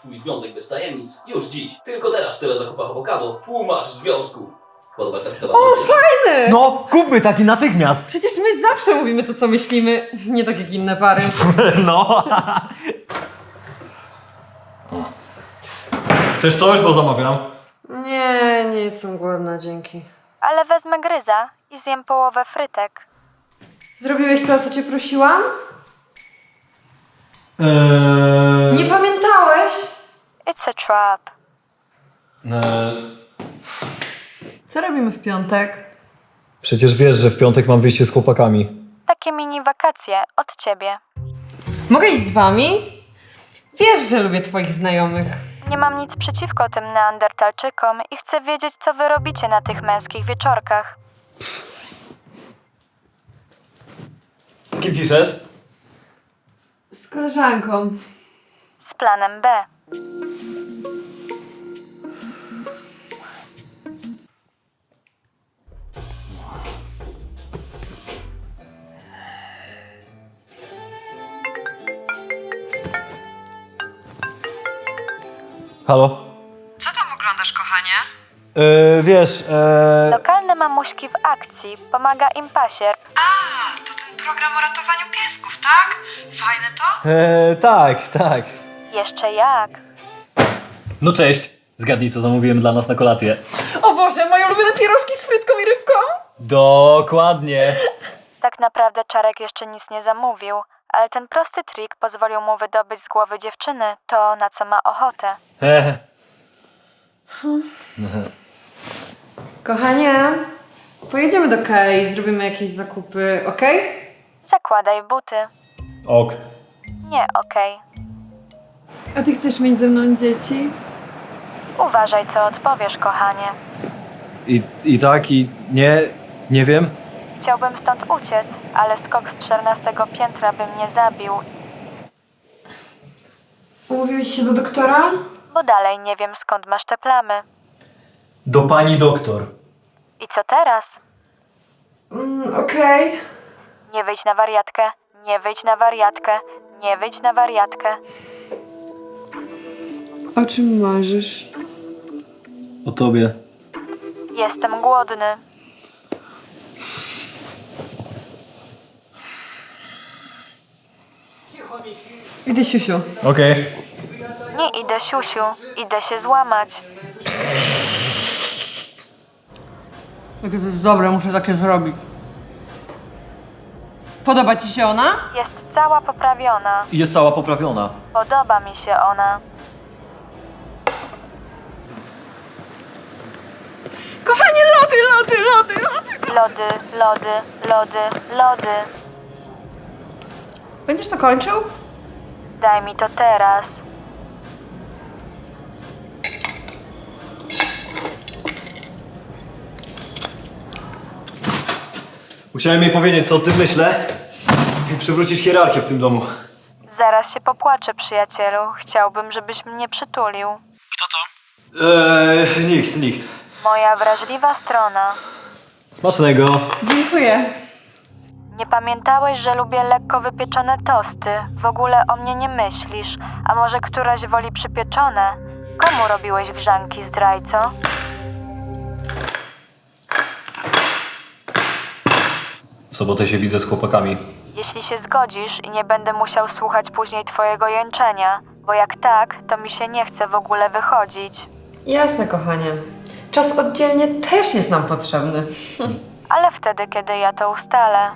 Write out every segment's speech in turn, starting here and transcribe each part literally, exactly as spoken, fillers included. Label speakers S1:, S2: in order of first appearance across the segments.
S1: swój związek bez tajemnic już dziś. Tylko teraz w tyle zakupach awokado tłumacz związku. Podoba się ta
S2: O, fajny!
S3: No, kupmy taki natychmiast!
S2: Przecież my zawsze mówimy to, co myślimy. Nie tak jak inne pary.
S3: No. Chcesz coś, bo zamawiam?
S2: Nie, nie jestem głodna, dzięki.
S4: Ale wezmę gryza i zjem połowę frytek.
S2: Zrobiłeś to, o co cię prosiłam?
S3: Eee...
S2: Nie pamiętałeś?
S4: It's a trap.
S3: Eee...
S2: Co robimy w piątek?
S3: Przecież wiesz, że w piątek mam wyjście z chłopakami.
S4: Takie mini wakacje od ciebie.
S2: Mogę iść z wami? Wiesz, że lubię twoich znajomych.
S4: Nie mam nic przeciwko tym neandertalczykom i chcę wiedzieć, co wy robicie na tych męskich wieczorkach.
S3: Z kim piszesz?
S2: Z koleżanką.
S4: Z planem B.
S3: Halo?
S2: Co tam oglądasz, kochanie?
S3: Eee, wiesz, eee...
S4: Lokalne mamuśki w akcji. Pomaga im pasierb.
S2: A, to ten program o ratowaniu piesków, tak? Fajne to?
S3: eee tak, tak.
S4: Jeszcze jak.
S3: No cześć. Zgadnij, co zamówiłem dla nas na kolację.
S2: O Boże, moje ulubione pierożki z frytką i rybką!
S3: Dokładnie.
S4: Tak naprawdę Czarek jeszcze nic nie zamówił, ale ten prosty trik pozwolił mu wydobyć z głowy dziewczyny to, na co ma ochotę.
S3: Eee.
S2: Kochanie, pojedziemy do Kei, zrobimy jakieś zakupy, okej?
S4: Zakładaj buty.
S3: Ok.
S4: Nie, okej.
S2: A ty chcesz mieć ze mną dzieci?
S4: Uważaj, co odpowiesz, kochanie.
S3: I, I tak, i nie, nie wiem.
S4: Chciałbym stąd uciec, ale skok z czternastego piętra by mnie zabił,
S2: Umówiłeś się do doktora?
S4: bo dalej nie wiem, skąd masz te plamy.
S3: Do pani doktor.
S4: I co teraz?
S2: Mm, okej.
S4: Nie wyjdź na wariatkę, nie wyjdź na wariatkę, nie wyjdź na wariatkę.
S2: O czym marzysz?
S3: O tobie.
S4: Jestem głodny.
S2: Idę, siusiu.
S3: Okej. Okay.
S4: Nie idę siusiu, idę się złamać.
S2: Jakie to jest dobre, muszę takie zrobić. Podoba ci się ona?
S4: Jest cała poprawiona.
S3: Jest cała poprawiona.
S4: Podoba mi się ona.
S2: Kochanie, lody, lody, lody, lody!
S4: Lody, lody, lody, lody.
S2: Będziesz to kończył?
S4: Daj mi to teraz.
S3: Musiałem jej powiedzieć, co o tym myślę i przywrócić hierarchię w tym domu.
S4: Zaraz się popłaczę, przyjacielu. Chciałbym, żebyś mnie przytulił.
S3: Eee, nikt, nikt.
S4: Moja wrażliwa strona.
S3: Smacznego.
S2: Dziękuję.
S4: Nie pamiętałeś, że lubię lekko wypieczone tosty? W ogóle o mnie nie myślisz. A może któraś woli przypieczone? Komu robiłeś grzanki, zdrajco?
S3: W sobotę się widzę z chłopakami.
S4: Jeśli się zgodzisz i nie będę musiał słuchać później twojego jęczenia, bo jak tak, to mi się nie chce w ogóle wychodzić.
S2: Jasne, kochanie. Czas oddzielnie też jest nam potrzebny.
S4: Ale wtedy, kiedy ja to ustalę.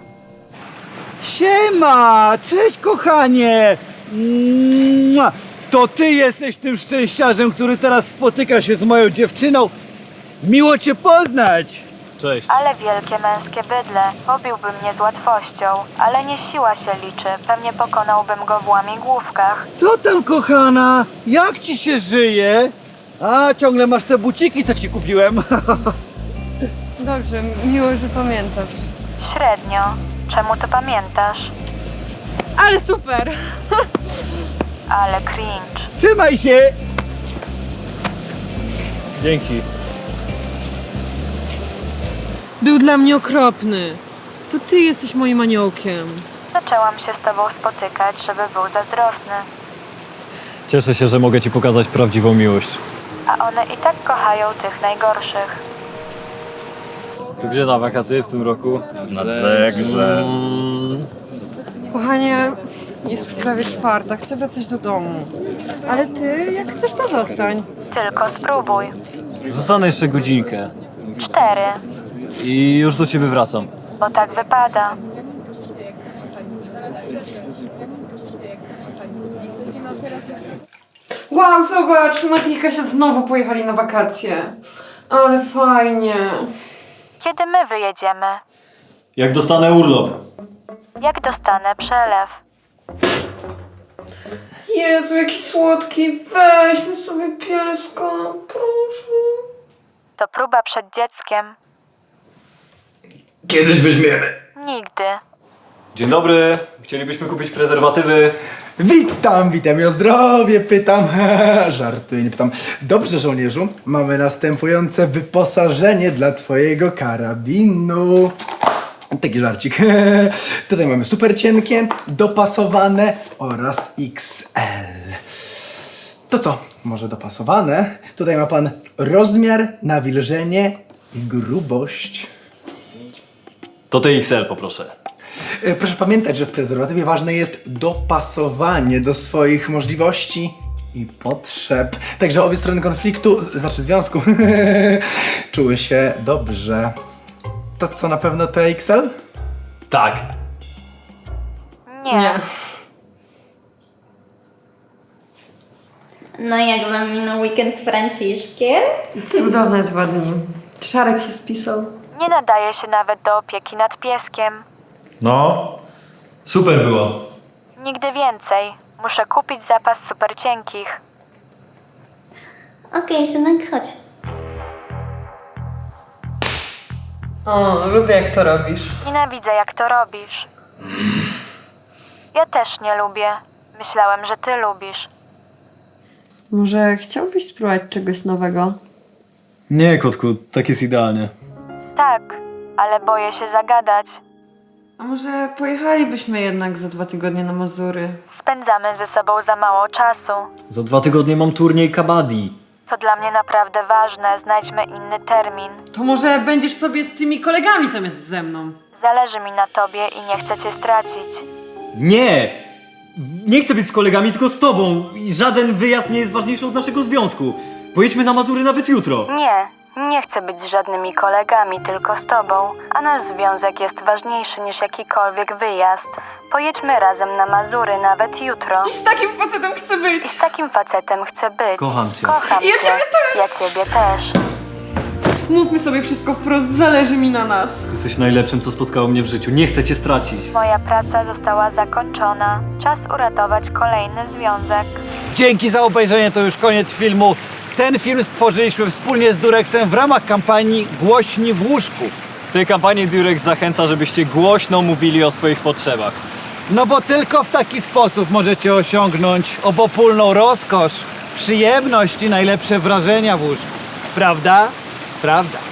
S5: Siema! Cześć, kochanie! Mua! To ty jesteś tym szczęściarzem, który teraz spotyka się z moją dziewczyną. Miło cię poznać!
S3: Cześć.
S4: Ale wielkie męskie bydle, pobiłby mnie z łatwością, ale nie siła się liczy, pewnie pokonałbym go w łamigłówkach.
S5: Co tam, kochana? Jak ci się żyje? A, ciągle masz te buciki, co ci kupiłem.
S2: Dobrze, miło, że pamiętasz.
S4: Średnio. Czemu to pamiętasz?
S2: Ale super!
S4: Ale cringe.
S5: Trzymaj się!
S3: Dzięki.
S2: Był dla mnie okropny. To ty jesteś moim aniołkiem.
S4: Zaczęłam się z tobą spotykać, żeby był zazdrosny.
S3: Cieszę się, że mogę ci pokazać prawdziwą miłość.
S4: A one i tak kochają tych najgorszych.
S3: To gdzie na wakacje w tym roku? Na Zegrze.
S2: Kochanie, jest już prawie czwarta, chcę wracać do domu. Ale ty, jak chcesz, to zostań.
S4: Tylko spróbuj.
S3: Zostanę jeszcze godzinkę
S4: Cztery,
S3: i już do ciebie wracam.
S4: bo tak wypada.
S2: Wow, zobacz, Mati i Kasia znowu pojechali na wakacje. Ale fajnie.
S4: Kiedy my wyjedziemy?
S3: Jak dostanę urlop?
S4: Jak dostanę przelew?
S2: Jezu, jaki słodki, weźmy sobie pieska, proszę.
S4: To próba przed dzieckiem.
S5: Kiedyś weźmiemy.
S4: Nigdy.
S3: Dzień dobry, chcielibyśmy kupić prezerwatywy.
S6: Witam, witam i o zdrowie pytam. Żartuję, nie pytam. Dobrze, żołnierzu, mamy następujące wyposażenie dla twojego karabinu. Taki żarcik. Tutaj mamy super cienkie, dopasowane oraz X L. To co? Może dopasowane? Tutaj ma pan rozmiar, nawilżenie i grubość.
S3: To T X L poproszę.
S6: E, Proszę pamiętać, że w prezerwatywie ważne jest dopasowanie do swoich możliwości i potrzeb. Także obie strony konfliktu, z- znaczy związku, czuły się dobrze. To co, na pewno T X L?
S3: Tak.
S4: Nie.
S2: Nie.
S7: No jak wam minął weekend z Franciszkiem?
S2: Cudowne dwa dni. Szarek się spisał.
S4: Nie nadaje się nawet do opieki nad pieskiem.
S3: No, super było.
S4: Nigdy więcej. Muszę kupić zapas super cienkich.
S7: Okej, synek, chodź.
S2: O, lubię jak to robisz.
S4: Nienawidzę, jak to robisz. Ja też nie lubię. Myślałem, że ty lubisz.
S2: Może chciałbyś spróbować czegoś nowego?
S3: Nie, kotku, tak jest idealnie.
S4: Tak, ale boję się zagadać.
S2: A może pojechalibyśmy jednak za dwa tygodnie na Mazury?
S4: Spędzamy ze sobą za mało czasu.
S3: Za dwa tygodnie mam turniej kabaddi.
S4: To dla mnie naprawdę ważne. Znajdźmy inny termin.
S2: To może będziesz sobie z tymi kolegami zamiast ze mną?
S4: Zależy mi na tobie i nie chcę cię stracić.
S3: Nie! Nie chcę być z kolegami, tylko z tobą. I żaden wyjazd nie jest ważniejszy od naszego związku. Pojedźmy na Mazury nawet jutro.
S4: Nie, nie chcę być z żadnymi kolegami, tylko z tobą. A nasz związek jest ważniejszy niż jakikolwiek wyjazd. Pojedźmy razem na Mazury nawet jutro.
S2: I z takim facetem chcę być!
S4: Z takim facetem chcę być.
S3: Kocham cię.
S4: Kocham
S2: Ja
S4: cię.
S2: ciebie też.
S4: Ja ciebie też.
S2: Mówmy sobie wszystko wprost, zależy mi na nas.
S3: Jesteś najlepszym, co spotkało mnie w życiu. Nie chcę cię stracić.
S4: Moja praca została zakończona. Czas uratować kolejny związek.
S5: Dzięki za obejrzenie, to już koniec filmu. Ten film stworzyliśmy wspólnie z Durexem w ramach kampanii Głośni w łóżku.
S3: W tej kampanii Durex zachęca, żebyście głośno mówili o swoich potrzebach.
S5: No bo tylko w taki sposób możecie osiągnąć obopólną rozkosz, przyjemność i najlepsze wrażenia w łóżku. Prawda? Prawda.